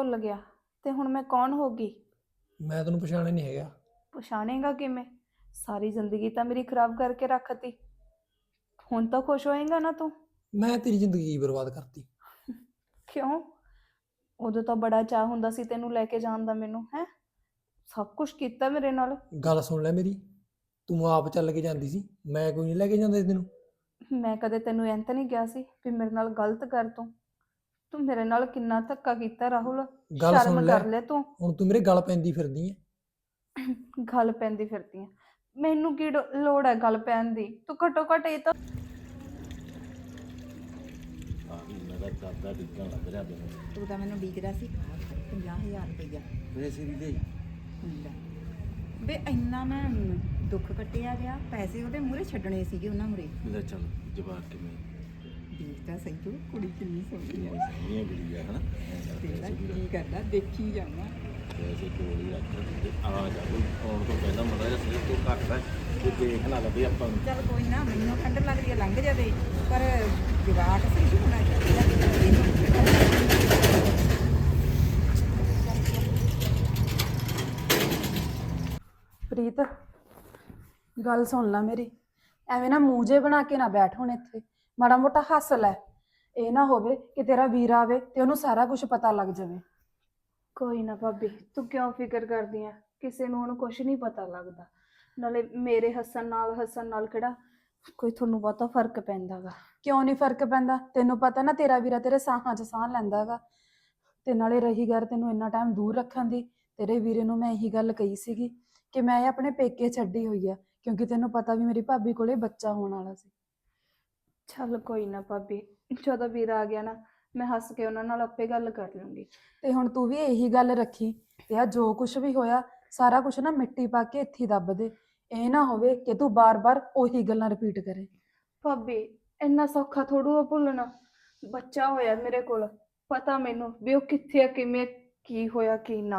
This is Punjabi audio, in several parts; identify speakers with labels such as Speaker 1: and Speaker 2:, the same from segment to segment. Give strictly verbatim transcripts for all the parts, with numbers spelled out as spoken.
Speaker 1: ਭੁੱਲ ਗਿਆ ਤੇ ਹੁਣ ਮੈਂ ਕੌਣ ਹੋ ਗਈ?
Speaker 2: ਮੈਂ ਤੈਨੂੰ ਪਛਾਣਿਆ ਨਹੀਂ ਹੈਗਾ।
Speaker 1: ਪਛਾਣੇਗਾ ਕਿਵੇਂ? ਸਾਰੀ ਜ਼ਿੰਦਗੀ ਤਾਂ ਮੇਰੀ ਖਰਾਬ ਕਰਕੇ ਰੱਖਤੀ। ਹੁਣ ਤਾਂ ਖੁਸ਼ ਹੋਏਗਾ ਨਾ ਤੂੰ?
Speaker 2: ਮੈਂ ਤੇਰੀ ਜ਼ਿੰਦਗੀ ਕੀ ਬਰਬਾਦ ਕਰਤੀ?
Speaker 1: ਕਿਉਂ? ਉਦੋਂ ਤਾਂ ਬੜਾ ਚਾਹ ਹੁੰਦਾ ਸੀ ਤੈਨੂੰ ਲੈ ਕੇ ਜਾਣ ਦਾ, ਮੈਨੂੰ ਹੈ ਸਭ ਕੁਝ ਕੀਤਾ ਮੇਰੇ ਨਾਲ।
Speaker 2: ਗੱਲ ਸੁਣ ਲੈ ਮੇਰੀ, ਤੂੰ ਆਪ ਚੱਲ ਕੇ ਜਾਂਦੀ ਸੀ, ਮੈਂ ਕੋਈ ਨਹੀਂ ਲੈ ਕੇ ਜਾਂਦਾ ਸੀ ਤੈਨੂੰ।
Speaker 1: ਮੈਂ ਕਦੇ ਤੈਨੂੰ ਐਂ ਤਾਂ ਨਹੀਂ ਕਿਹਾ ਸੀ ਵੀ ਮੇਰੇ ਨਾਲ ਗਲਤ ਕਰ ਤੂੰ। ਤੂੰ ਮੇਰੇ ਨਾਲ ਕਿੰਨਾ ਧੱਕਾ ਕੀਤਾ ਰਾਹੁਲ,
Speaker 2: ਗੱਲ
Speaker 1: ਸ਼ਰਮ
Speaker 2: ਸੁਣ ਲੈ,
Speaker 1: ਕਰ ਲੈ ਤੂੰ।
Speaker 2: ਹੁਣ ਤੂੰ ਮੇਰੇ ਗਲ ਪੈਂਦੀ ਫਿਰਦੀ ਐ।
Speaker 1: ਗੱਲ ਪੈਂਦੀ ਫਿਰਦੀ ਆ? ਮੈਨੂੰ ਕੀ ਡੋ- ਲੋੜ ਹੈ ਗੱਲ ਪੈਣ ਦੀ? ਤੂੰ ਘੱਟੋ ਘੱਟ ਇਹ ਤਾਂ
Speaker 3: ਤੂੰ ਤਾਂ ਮੈਨੂੰ ਡੀਕਦਾ ਸੀ ਪੰਜਾਹ ਹਜ਼ਾਰ ਰੁਪਈਆ
Speaker 4: ਪੈਸੇ ਵੀ ਦੇ
Speaker 3: ਲੈ ਵੇ ਇੰਨਾ ਮੈਂ ਦੁੱਖ ਕੱਟਿਆ ਗਿਆ, ਪੈਸੇ ਉਹਦੇ ਮੂਹਰੇ ਛੱਡਣੇ ਸੀਗੇ ਉਹਨਾਂ ਮੂਹਰੇ।
Speaker 4: ਮੇਰਾ ਚੱਲ ਜਵਾਬ ਕਿਵੇਂ
Speaker 3: ਦੇਖ ਤਾਂ ਸਹੀ ਤੂੰ ਕੁੜੀ ਕਿੰਨੀ ਸੋਹਣੀ ਹੈ,
Speaker 4: ਸੋਹਣੀਆਂ ਗੁੜੀਆ ਹਨਾ
Speaker 3: ਤੇਰਾ ਕੀ ਕਰਦਾ ਦੇਖੀ ਜਾਵਾਂ।
Speaker 4: ਪੈਸੇ ਕੋਲ ਹੀ ਰੱਖ ਤੇ ਆ ਜਾ ਕੋਈ ਆਉਣ ਤੋਂ ਪਹਿਲਾਂ ਮੜਾ ਜਿਹਾ ਸਿਰ ਤੋਂ ਘੱਟਦਾ ਤੇ ਦੇਖ ਨਾ ਲਵੇ ਆਪਾਂ ਨੂੰ।
Speaker 3: ਚੱਲ ਕੋਈ ਨਾ, ਮੈਨੂੰ ਠੰਡ ਲੱਗ ਰਹੀ ਹੈ ਲੰਘ ਜਾਵੇ, ਪਰ ਜਵਾਕ ਸਹੀ ਹੋਣਾ ਚਾਹੀਦਾ।
Speaker 1: ਪ੍ਰੀਤ ਗੱਲ ਸੁਣ ਲੈ ਮੇਰੀ, ਐਵੇਂ ਨਾ ਮੂੰਹ ਜੇ ਬਣਾ ਕੇ ਨਾ ਬੈਠ ਹੁਣ ਇੱਥੇ, ਮਾੜਾ ਮੋਟਾ ਹੱਸ ਲੈ। ਇਹ ਨਾ ਹੋਵੇ ਕਿ ਤੇਰਾ ਵੀਰ ਆਵੇ ਤੇ ਉਹਨੂੰ ਸਾਰਾ ਕੁਝ ਪਤਾ ਲੱਗ ਜਾਵੇ। ਕੋਈ ਨਾ ਭਾਬੀ, ਤੂੰ ਕਿਉਂ ਫਿਕਰ ਕਰਦੀ ਆ? ਕਿਸੇ ਨੂੰ ਹੁਣ ਕੁਝ ਨਹੀਂ ਪਤਾ ਲੱਗਦਾ। ਨਾਲੇ ਮੇਰੇ ਹੱਸਣ ਨਾਲ ਹੱਸਣ ਨਾਲ ਕਿਹੜਾ ਕੋਈ ਤੁਹਾਨੂੰ ਬਹੁਤਾ ਫਰਕ ਪੈਂਦਾ ਗਾ? ਕਿਉਂ ਨਹੀਂ ਫਰਕ ਪੈਂਦਾ? ਤੈਨੂੰ ਪਤਾ ਨਾ ਤੇਰਾ ਵੀਰਾ ਤੇਰੇ ਸਾਹਾਂ 'ਚ ਸਾਹ ਲੈਂਦਾ ਗਾ। ਤੇ ਨਾਲੇ ਰਹੀ ਗੱਲ ਤੈਨੂੰ ਇੰਨਾ ਟਾਈਮ ਦੂਰ ਰੱਖਣ ਦੀ, ਤੇਰੇ ਵੀਰੇ ਨੂੰ ਮੈਂ ਇਹੀ ਗੱਲ ਕਹੀ ਸੀਗੀ ਕਿ ਮੈਂ ਇਹ ਆਪਣੇ ਪੇਕੇ ਛੱਡੀ ਹੋਈ ਆ, ਕਿਉਂਕਿ ਤੈਨੂੰ ਪਤਾ ਵੀ ਮੇਰੀ ਭਾਬੀ ਕੋਲੇ ਬੱਚਾ ਹੋਣ ਵਾਲਾ ਸੀ। ਚੱਲ ਕੋਈ ਨਾ ਭਾਬੀ, ਜਦੋਂ ਵੀਰਾ ਆ ਗਿਆ ਨਾ ਮੈਂ ਹੱਸ ਕੇ ਉਹਨਾਂ ਨਾਲ ਆਪੇ ਗੱਲ ਕਰ ਲੂੰਗੀ। ਤੇ ਹੁਣ ਤੂੰ ਵੀ ਇਹੀ ਗੱਲ ਰੱਖੀ ਤੇ ਆ ਜੋ ਕੁਝ ਵੀ ਹੋਇਆ ਸਾਰਾ ਕੁਝ ਨਾ ਮਿੱਟੀ ਪਾ ਕੇ ਇੱਥੇ ਦੱਬ ਦੇ। ਇਹ ਨਾ ਹੋਵੇ ਕਿ ਤੂੰ ਬਾਰ-ਬਾਰ ਉਹੀ ਗੱਲਾਂ ਰਿਪੀਟ ਕਰੇ। ਭਾਬੀ ਇੰਨਾ ਸੌਖਾ ਥੋੜੂ ਆ ਭੁੱਲਣਾ। ਬੱਚਾ ਹੋਇਆ ਮੇਰੇ ਕੋਲ, ਪਤਾ ਮੈਨੂੰ ਵੀ ਉਹ ਕਿੱਥੇ ਆ, ਕਿਵੇਂ, ਕੀ ਹੋਇਆ ਕੀ ਨਾ।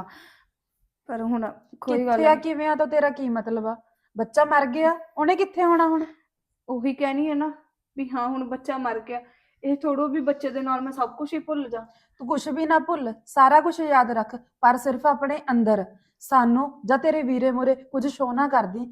Speaker 1: ਪਰ ਹੁਣ ਕੋਈ ਗੱਲ
Speaker 5: ਕਿੱਥੇ ਆ ਕਿਵੇਂ ਆ ਤਾਂ ਤੇਰਾ ਕੀ ਮਤਲਬ ਆ? ਬੱਚਾ ਮਰ ਗਿਆ, ਉਹਨੇ ਕਿੱਥੇ ਹੋਣਾ ਹੁਣ?
Speaker 1: ਉਹੀ ਕਹਿਣੀ ਹੈ ਨਾ ਵੀ ਹਾਂ ਹੁਣ ਬੱਚਾ ਮਰ ਗਿਆ, ਇਹ ਥੋੜੋ ਵੀ ਬੱਚੇ ਦੇ ਨਾਲ ਮੈਂ ਸਭ ਕੁਝ ਹੀ ਭੁੱਲ ਜਾ।
Speaker 5: ਤੂੰ ਕੁਝ ਵੀ ਨਾ ਭੁੱਲ, ਸਾਰਾ ਕੁਝ ਯਾਦ ਰੱਖ, ਪਰ ਸਿਰਫ ਆਪਣੇ ਅੰਦਰ। ਸਾਨੂੰ ਜਾਂ ਤੇਰੇ ਵੀਰੇ ਮੂਹਰੇ ਕੁਝ ਸ਼ੋ ਨਾ ਕਰਦੀ।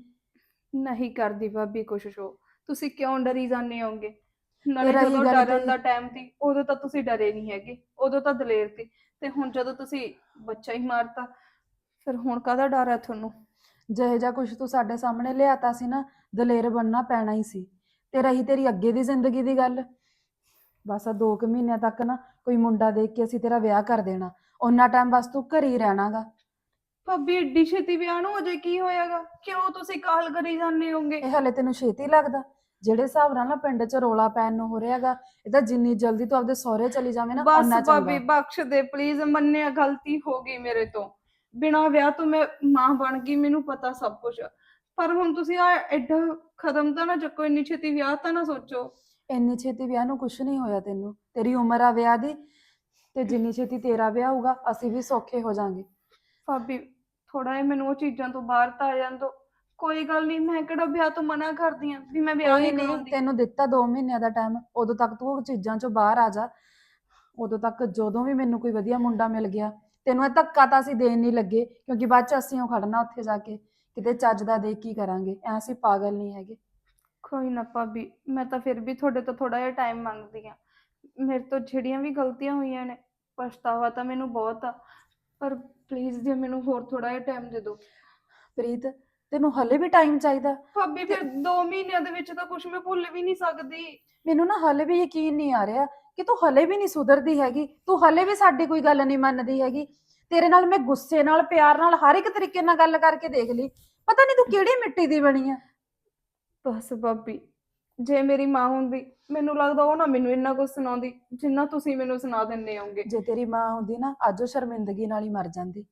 Speaker 1: ਨਹੀਂ ਕਰਦੀ ਭਾਬੀ ਕੁਛ ਸ਼ੋ, ਤੁਸੀਂ ਕਿਉਂ ਡਰੀ ਜਾਂਦੇ ਹੋਗੇ? ਨਾਲੇ
Speaker 5: ਤੇਰਾ ਹੀ
Speaker 1: ਜਦੋਂ
Speaker 5: ਗੱਲ
Speaker 1: ਡਰਨ
Speaker 5: ਤੇ-
Speaker 1: ਦਾ ਟਾਈਮ ਸੀ ਉਦੋਂ ਤਾਂ ਤੁਸੀਂ ਡਰੇ ਨਹੀਂ ਹੈਗੇ, ਉਦੋਂ ਤਾਂ ਦਲੇਰ ਸੀ। ਤੇ ਹੁਣ ਜਦੋਂ ਤੁਸੀਂ ਬੱਚਾ ਹੀ ਮਾਰਤਾ, ਫਿਰ ਹੁਣ ਕਾਹਦਾ ਡਰ ਹੈ ਤੁਹਾਨੂੰ?
Speaker 5: ਜਿਹੇ ਜਿਹਾ ਕੁਝ ਤੂੰ ਸਾਡੇ ਸਾਹਮਣੇ ਲਿਆਤਾ ਸੀ ਨਾ, ਦਲੇਰ ਬਣਨਾ ਪੈਣਾ ਹੀ ਸੀ। ਤੇ ਰਹੀ ਤੇਰੀ ਅੱਗੇ ਦੀ ਜ਼ਿੰਦਗੀ ਦੀ ਗੱਲ, ਬਸ ਆ ਦੋ ਕੁ ਮਹੀਨਿਆਂ ਤੱਕ ਨਾ ਕੋਈ ਮੁੰਡਾ ਦੇਖ ਕੇ ਅਸੀਂ ਤੇਰਾ ਵਿਆਹ ਕਰ ਦੇਣਾ। ਉਹਨਾਂ ਟਾਈਮ ਬਸ ਤੂੰ ਘਰ ਹੀ ਰਹਿਣਾਗਾ।
Speaker 1: ਭਾਬੀ ਏਡੀ ਛੇਤੀ ਵਿਆਹ ਨੂੰ ਅਜੇ ਕੀ ਹੋਇਆਗਾ? ਕਿਉਂ ਤੁਸੀਂ ਕਾਹਲ ਕਰੀ ਜਾਂਦੇ ਹੋਗੇ?
Speaker 5: ਇਹ ਹਲੇ ਤੈਨੂੰ ਛੇਤੀ ਲੱਗਦਾ? ਜਿਹੜੇ ਹਿਸਾਬ ਨਾਲ ਨਾ ਪਿੰਡ 'ਚ ਰੋਲਾ ਪੈਣ ਨੂੰ ਹੋ ਰਿਹਾਗਾ, ਇਹ ਤਾਂ ਜਿੰਨੀ ਜਲਦੀ ਤੂੰ ਆਪਦੇ ਸਹੁਰੇ ਚਲੀ ਜਾਵੇਂ ਨਾ
Speaker 1: ਬਸ
Speaker 5: ਓਨਾ
Speaker 1: ਭਾਬੀ
Speaker 5: ਚੰਗਾ।
Speaker 1: ਬਖਸ਼ ਦੇ ਪਲੀਜ਼, ਮੰਨਿਆ ਗਲਤੀ ਹੋ ਗਈ ਮੇਰੇ ਤੋਂ। ਬਿਨਾਂ ਵਿਆਹ ਤੋਂ ਮੈਂ ਮਾਂ ਬਣ ਗਈ, ਮੈਨੂੰ ਪਤਾ ਸਭ ਕੁਝ। ਪਰ ਹੁਣ ਤੁਸੀਂ ਆ ਐਡਾ ਕਦਮ ਤਾਂ ਨਾ ਚੱਕੋ, ਇੰਨੀ ਛੇਤੀ ਵਿਆਹ ਤਾਂ ਨਾ ਸੋਚੋ।
Speaker 5: ਇੰਨੀ ਛੇਤੀ ਵਿਆਹ ਨੂੰ ਕੁਛ ਨਹੀਂ ਹੋਇਆ ਤੈਨੂੰ, ਤੇਰੀ ਉਮਰ ਆ ਵਿਆਹ ਦੀ, ਤੇ ਜਿੰਨੀ ਛੇਤੀ ਤੇਰਾ ਵਿਆਹ ਹੋਊਗਾ ਅਸੀਂ ਵੀ ਸੌਖੇ ਹੋ ਜਾਾਂਗੇ।
Speaker 1: ਭਾਬੀ ਥੋੜਾ ਜਿਹਾ ਮੈਨੂੰ ਉਹ ਚੀਜ਼ਾਂ ਤੋਂ ਬਾਹਰ ਤਾਂ ਆ ਜਾਣ ਦਿਓ। ਕੋਈ ਗੱਲ ਨਹੀਂ, ਮੈਂ ਕਿਹੜਾ ਵਿਆਹ ਤੋਂ ਮਨਾ ਕਰਦੀ ਆ ਵੀ ਮੈਂ ਵਿਆਹ
Speaker 5: ਕੋਈ
Speaker 1: ਨਹੀਂ
Speaker 5: ਨਹੀਂ,
Speaker 1: ਕਰਾਉਂਦੀ।
Speaker 5: ਤੈਨੂੰ ਦਿੱਤਾ ਦੋ ਮਹੀਨਿਆਂ ਦਾ ਟਾਈਮ, ਉਦੋਂ ਤੱਕ ਤੂੰ ਉਹ ਚੀਜ਼ਾਂ ਚੋਂ ਬਾਹਰ ਆ ਜਾ। ਉਦੋਂ ਤੱਕ ਜਦੋਂ ਵੀ ਮੈਨੂੰ ਕੋਈ ਵਧੀਆ ਮੁੰਡਾ ਮਿਲ ਗਿਆ, ਤੈਨੂੰ ਇਹ ਧੱਕਾ ਤਾਂ ਅਸੀਂ ਦੇਣ ਨਹੀਂ ਲੱਗੇ, ਕਿਉਂਕਿ ਬਾਅਦ ਚ ਅਸੀਂ ਉਹ ਖੜਨਾ ਉੱਥੇ ਜਾ ਕੇ ਕਿਤੇ ਚੱਜ ਦਾ ਦੇਖ ਕੀ ਕਰਾਂਗੇ, ਐ ਅਸੀਂ ਪਾਗਲ ਨਹੀਂ ਹੈਗੇ।
Speaker 1: ਕੋਈ ਨਾ ਭਾਬੀ, ਮੈਂ ਤਾਂ ਫਿਰ ਵੀ ਤੁਹਾਡੇ ਤੋਂ ਥੋੜਾ ਜਿਹਾ ਟਾਈਮ ਮੰਗਦੀ ਆ। ਮੇਰੇ ਤੋਂ ਜਿਹੜੀਆਂ ਵੀ ਗਲਤੀਆਂ ਹੋਈਆਂ ਨੇ, ਪਛਤਾਵਾ ਤਾਂ ਮੈਨੂੰ ਬਹੁਤ ਆ, ਪਰ ਪਲੀਜ਼ ਜੇ ਮੈਨੂੰ ਹੋਰ ਥੋੜਾ ਜਿਹਾ ਟਾਈਮ ਦੇ ਦਿਓ।
Speaker 5: ਪ੍ਰੀਤ ਤੈਨੂੰ ਹਲੇ ਵੀ ਟਾਈਮ ਚਾਹੀਦਾ?
Speaker 1: ਭਾਬੀ ਫਿਰ ਦੋ ਮਹੀਨਿਆਂ ਦੇ ਵਿੱਚ ਤਾਂ ਕੁਝ ਮੈਂ ਭੁੱਲ ਵੀ ਨਹੀਂ ਸਕਦੀ।
Speaker 5: ਮੈਨੂੰ ਨਾ ਹਲੇ ਵੀ ਯਕੀਨ ਨਹੀਂ ਆ ਰਿਹਾ ਕਿ ਤੂੰ ਹਲੇ ਵੀ ਨਹੀਂ ਸੁਧਰਦੀ ਹੈਗੀ, ਤੂੰ ਹਲੇ ਵੀ ਸਾਡੀ ਕੋਈ ਗੱਲ ਨਹੀਂ ਮੰਨਦੀ ਹੈਗੀ। ਤੇਰੇ ਨਾਲ ਮੈਂ ਗੁੱਸੇ ਨਾਲ, ਪਿਆਰ ਨਾਲ, ਹਰ ਇੱਕ ਤਰੀਕੇ ਨਾਲ ਗੱਲ ਕਰਕੇ ਦੇਖ ਲਈ, ਪਤਾ ਨਹੀਂ ਤੂੰ ਕਿਹੜੀ ਮਿੱਟੀ ਦੀ ਬਣੀ ਆ।
Speaker 1: ਬਸ ਭਾਬੀ, ਜੇ ਮੇਰੀ ਮਾਂ ਹੁੰਦੀ ਮੈਨੂੰ ਲੱਗਦਾ ਉਹ ਨਾ ਮੈਨੂੰ ਇੰਨਾ ਕੁਝ ਸੁਣਾਉਂਦੀ ਜਿੰਨਾ ਤੁਸੀਂ ਮੈਨੂੰ ਸੁਣਾ ਦਿੰਦੇ ਹੋਗੇ।
Speaker 5: ਜੇ ਤੇਰੀ ਮਾਂ ਹੁੰਦੀ ਨਾ ਅੱਜ ਉਹ ਸ਼ਰਮਿੰਦਗੀ ਨਾਲ ਹੀ ਮਰ ਜਾਂਦੀ।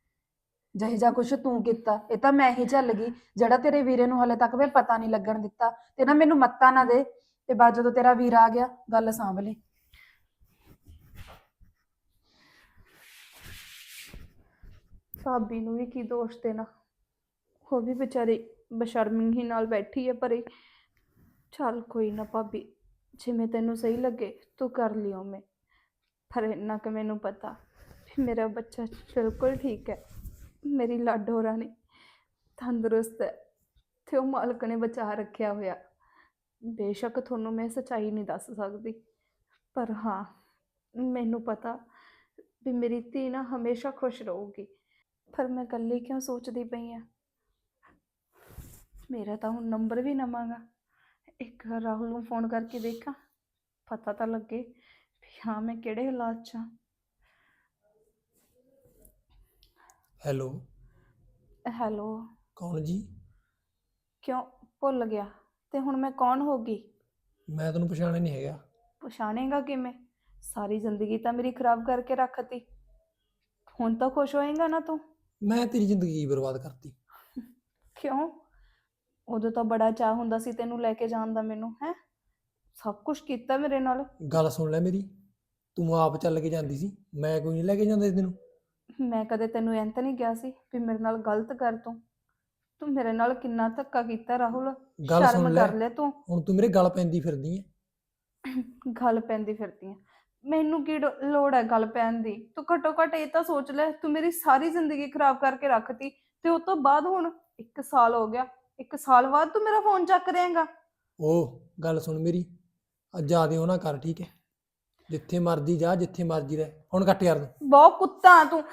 Speaker 5: ਜਿਹੇ ਜਾ ਕੁਛ ਤੂੰ ਕੀਤਾ ਇਹ ਤਾਂ ਮੈਂ ਹੀ ਝੱਲ ਗਈ, ਜਿਹੜਾ ਤੇਰੇ ਵੀਰੇ ਨੂੰ ਹਲੇ ਤੱਕ ਮੈਂ ਪਤਾ ਨਹੀਂ ਲੱਗਣ ਦਿੱਤਾ। ਤੇ ਨਾ ਮੈਨੂੰ ਮੱਤਾ ਨਾ ਦੇ, ਤੇ ਬਾਅਦ ਜਦੋਂ ਤੇਰਾ ਵੀਰ ਆ ਗਿਆ ਗੱਲ ਸਾਂਭ ਲਈ।
Speaker 1: ਭਾਬੀ ਨੂੰ ਵੀ ਕੀ ਦੋਸ਼ ਦੇਣਾ, ਉਹ ਵੀ ਵਿਚਾਰੀ ਬੇਸ਼ਰਮੀ ਨਾਲ ਬੈਠੀ ਹੈ ਪਰੇ। ਚੱਲ ਕੋਈ ਨਾ ਭਾਬੀ, ਜਿਵੇਂ ਤੈਨੂੰ ਸਹੀ ਲੱਗੇ ਤੂੰ ਕਰ ਲਿਓ। ਮੈਂ ਪਰ ਇੰਨਾ ਕਿ ਮੈਨੂੰ ਪਤਾ
Speaker 5: ਮੇਰਾ ਬੱਚਾ ਬਿਲਕੁਲ ਠੀਕ ਹੈ। ਮੇਰੀ ਲਾਡੋ ਰਾਣੀ ਤੰਦਰੁਸਤ ਹੈ ਤੇ ਉਹ ਮਾਲਕ ਨੇ ਬਚਾ ਰੱਖਿਆ ਹੋਇਆ। ਬੇਸ਼ੱਕ ਤੁਹਾਨੂੰ ਮੈਂ ਸੱਚਾਈ ਨਹੀਂ ਦੱਸ ਸਕਦੀ, ਪਰ ਹਾਂ ਮੈਨੂੰ ਪਤਾ ਵੀ ਮੇਰੀ ਧੀ ਨਾ ਹਮੇਸ਼ਾ ਖੁਸ਼ ਰਹੂਗੀ। ਪਰ ਮੈਂ ਇਕੱਲੀ ਕਿਉਂ ਸੋਚਦੀ ਪਈ ਆ? ਮੇਰਾ ਤਾਂ ਹੁਣ ਨੰਬਰ ਵੀ ਨਵਾਂ ਗਾ। ਇੱਕ ਵਾਰ ਰਾਹੁਲ ਨੂੰ ਫੋਨ ਕਰਕੇ ਦੇਖਾਂ, ਪਤਾ ਤਾਂ ਲੱਗੇ ਵੀ ਹਾਂ ਮੈਂ ਕਿਹੜੇ ਹਾਲਾਤ 'ਚ ਹਾਂ।
Speaker 2: ਹੈਲੋ,
Speaker 5: ਹੈਲੋ,
Speaker 2: ਕੌਣ ਜੀ?
Speaker 5: ਕਿਉਂ ਭੁੱਲ ਗਿਆ? ਤੇ ਹੁਣ ਮੈਂ ਕੌਣ ਹੋ ਗਈ?
Speaker 2: ਮੈਂ ਤੈਨੂੰ ਪਛਾਣਿਆ ਨਹੀਂ ਹੈਗਾ।
Speaker 5: ਪਛਾਣੇਗਾ ਕਿਵੇਂ? ਸਾਰੀ ਜ਼ਿੰਦਗੀ ਤਾਂ ਮੇਰੀ ਖਰਾਬ ਕਰਕੇ ਰੱਖਤੀ। ਹੁਣ ਤਾਂ ਖੁਸ਼ ਹੋਏਗਾ ਨਾ ਤੂੰ?
Speaker 2: ਮੈਂ ਤੇਰੀ ਜ਼ਿੰਦਗੀ ਬਰਬਾਦ ਕਰਤੀ।
Speaker 5: ਕਿਉਂ? ਉਦੋਂ ਤਾਂ ਬੜਾ ਚਾਅ ਹੁੰਦਾ ਸੀ ਤੈਨੂੰ ਲੈ ਕੇ ਜਾਣ ਦਾ, ਮੈਨੂੰ ਹੈ ਸਭ ਕੁਝ ਕੀਤਾ ਮੇਰੇ ਨਾਲ।
Speaker 2: ਗੱਲ ਸੁਣ ਲੈ ਮੇਰੀ, ਤੂੰ ਆਪ ਚੱਲ ਕੇ ਜਾਂਦੀ ਸੀ, ਮੈਂ ਕੋਈ ਨਹੀਂ ਲੈ ਕੇ ਜਾਂਦਾ ਤੈਨੂੰ।
Speaker 5: ਮੈਂ ਕਦੇ ਤੈਨੂੰ ਐਂ ਤਾਂ ਨਹੀਂ ਕਿਹਾ ਸੀ ਵੀ ਮੇਰੇ ਨਾਲ ਗਲਤ ਕਰ ਤੂੰ? ਤੂੰ ਮੇਰੇ ਨਾਲ ਕਿੰਨਾ ਧੱਕਾ ਕੀਤਾ ਰਾਹੁਲ,
Speaker 2: ਗੱਲ ਸੁਣ
Speaker 5: ਸ਼ਰਮ
Speaker 2: ਲੈ,
Speaker 5: ਕਰ ਲੈ ਤੂੰ।
Speaker 2: ਹੁਣ ਤੂੰ ਮੇਰੇ ਗਲ ਪੈਂਦੀ ਫਿਰਦੀ ਐ।
Speaker 5: ਗੱਲ ਪੈਂਦੀ ਫਿਰਦੀ ਆ? ਮੈਨੂੰ ਕੀ ਡੋ- ਲੋੜ ਹੈ ਗੱਲ ਪੈਣ ਦੀ? ਤੂੰ ਘੱਟੋ ਘੱਟ ਇਹ ਤਾਂ ਸੋਚ ਲੈ, ਤੂੰ ਮੇਰੀ ਸਾਰੀ ਜ਼ਿੰਦਗੀ ਖਰਾਬ ਕਰਕੇ ਰੱਖਤੀ ਤੇ ਉਸ ਤੋਂ ਬਾਅਦ ਹੁਣ ਇੱਕ ਸਾਲ ਹੋ ਗਿਆ, ਇੱਕ ਸਾਲ ਬਾਅਦ ਤੂੰ ਮੇਰਾ ਫੋਨ ਚੱਕ ਰਹੇਂਗਾ?
Speaker 2: ਉਹ ਗੱਲ ਸੁਣ ਮੇਰੀ, ਅੱਜ ਜਿਆਦੇ ਉਹ ਨਾ ਕਰ, ਠੀਕ ਹੈ? ਜਿੱਥੇ ਮਰਜੀ ਜਾ, ਜਿੱਥੇ ਮਰਜੀ ਰਹਿ, ਹੁਣ ਕੱਟ ਯਾਰ ਤੂੰ।
Speaker 5: ਬਹੁਤ ਕੁੱਤਾ ਆ ਤੂੰ।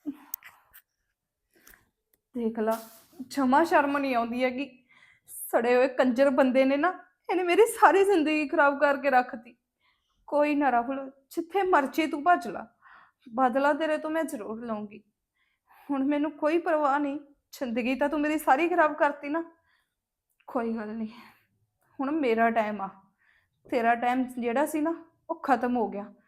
Speaker 5: ਦੇਖ ਲਾ, ਜਮਾ ਸ਼ਰਮ ਨਹੀਂ ਆਉਂਦੀ ਹੈਗੀ। ਸੜੇ ਹੋਏ ਕੰਜਰ ਬੰਦੇ ਨੇ ਨਾ, ਇਹਨੇ ਮੇਰੀ ਸਾਰੀ ਜ਼ਿੰਦਗੀ ਖਰਾਬ ਕਰਕੇ ਰੱਖਤੀ। ਕੋਈ ਨਾ ਰਾਹੁਲ, ਜਿੱਥੇ ਮਰਜ਼ੀ ਤੂੰ ਭੱਜ ਲਾ, ਬਦਲਾ ਤੇਰੇ ਤੋਂ ਮੈਂ ਜ਼ਰੂਰ ਲਵਾਂਗੀ। ਹੁਣ ਮੈਨੂੰ ਕੋਈ ਪਰਵਾਹ ਨਹੀਂ, ਜ਼ਿੰਦਗੀ ਤਾਂ ਤੂੰ ਮੇਰੀ ਸਾਰੀ ਖਰਾਬ ਕਰਤੀ ਨਾ। ਕੋਈ ਗੱਲ ਨਹੀਂ, ਹੁਣ ਮੇਰਾ ਟਾਈਮ ਆ, ਤੇਰਾ ਟਾਈਮ ਜਿਹੜਾ ਸੀ ਨਾ ਉਹ ਖਤਮ ਹੋ ਗਿਆ।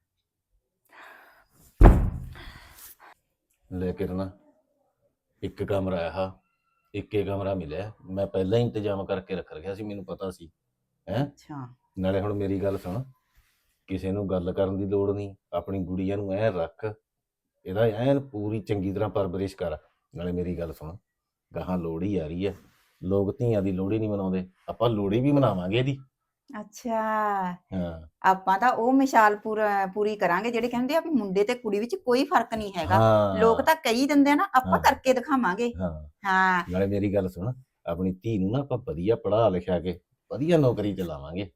Speaker 4: ਲੈ ਕੇ ਨਾ ਇੱਕ ਕਮਰਾ ਆ, ਇੱਕੇ ਕਮਰਾ ਮਿਲਿਆ। ਮੈਂ ਪਹਿਲਾਂ ਹੀ ਇੰਤਜ਼ਾਮ ਕਰਕੇ ਰੱਖ ਰੱਖਿਆ ਸੀ, ਮੈਨੂੰ ਪਤਾ ਸੀ ਹੈ।
Speaker 3: ਅੱਛਾ,
Speaker 4: ਨਾਲੇ ਹੁਣ ਮੇਰੀ ਗੱਲ ਸੁਣ, ਕਿਸੇ ਨੂੰ ਗੱਲ ਕਰਨ ਦੀ ਲੋੜ ਨਹੀਂ, ਆਪਣੀ ਗੁੜੀਆ ਨੂੰ ਐ ਰੱਖ, ਇਹਦਾ ਐਨ ਪੂਰੀ ਚੰਗੀ ਤਰ੍ਹਾਂ ਪਰਵਰਿਸ਼ ਕਰ। ਨਾਲੇ ਮੇਰੀ ਗੱਲ ਸੁਣ, ਗਾਹਾਂ ਲੋਹੜੀ ਆ ਰਹੀ ਹੈ, ਲੋਕ ਧੀਆਂ ਦੀ ਲੋਹੜੀ ਨਹੀਂ ਮਨਾਉਂਦੇ, ਆਪਾਂ ਲੋਹੜੀ ਵੀ ਮਨਾਵਾਂਗੇ ਇਹਦੀ।
Speaker 3: ਅੱਛਾ।
Speaker 4: ਹਾਂ
Speaker 3: ਆਪਾਂ ਤਾਂ ਉਹ ਮਿਸਾਲ ਪੂਰਾ ਪੂਰੀ ਕਰਾਂਗੇ ਜਿਹੜੇ ਕਹਿੰਦੇ ਆ ਵੀ ਮੁੰਡੇ ਤੇ ਕੁੜੀ ਵਿੱਚ ਕੋਈ ਫਰਕ ਨਹੀਂ ਹੈਗਾ।
Speaker 4: ਹਾਂ
Speaker 3: ਲੋਕ ਤਾਂ ਕਹੀ ਦਿੰਦੇ ਆ ਨਾ, ਆਪਾਂ
Speaker 4: ਹਾਂ।
Speaker 3: ਕਰਕੇ ਦਿਖਾਵਾਂਗੇ।
Speaker 4: ਹਾਂ
Speaker 3: ਹਾਂ,
Speaker 4: ਨਾਲੇ ਮੇਰੀ ਗੱਲ ਸੁਣ, ਆਪਣੀ ਧੀ ਨੂੰ ਨਾ ਆਪਾਂ ਵਧੀਆ ਪੜ੍ਹਾ ਲਿਖਿਆ ਕੇ ਵਧੀਆ ਨੌਕਰੀ ਤੇ ਲਾਵਾਂਗੇ।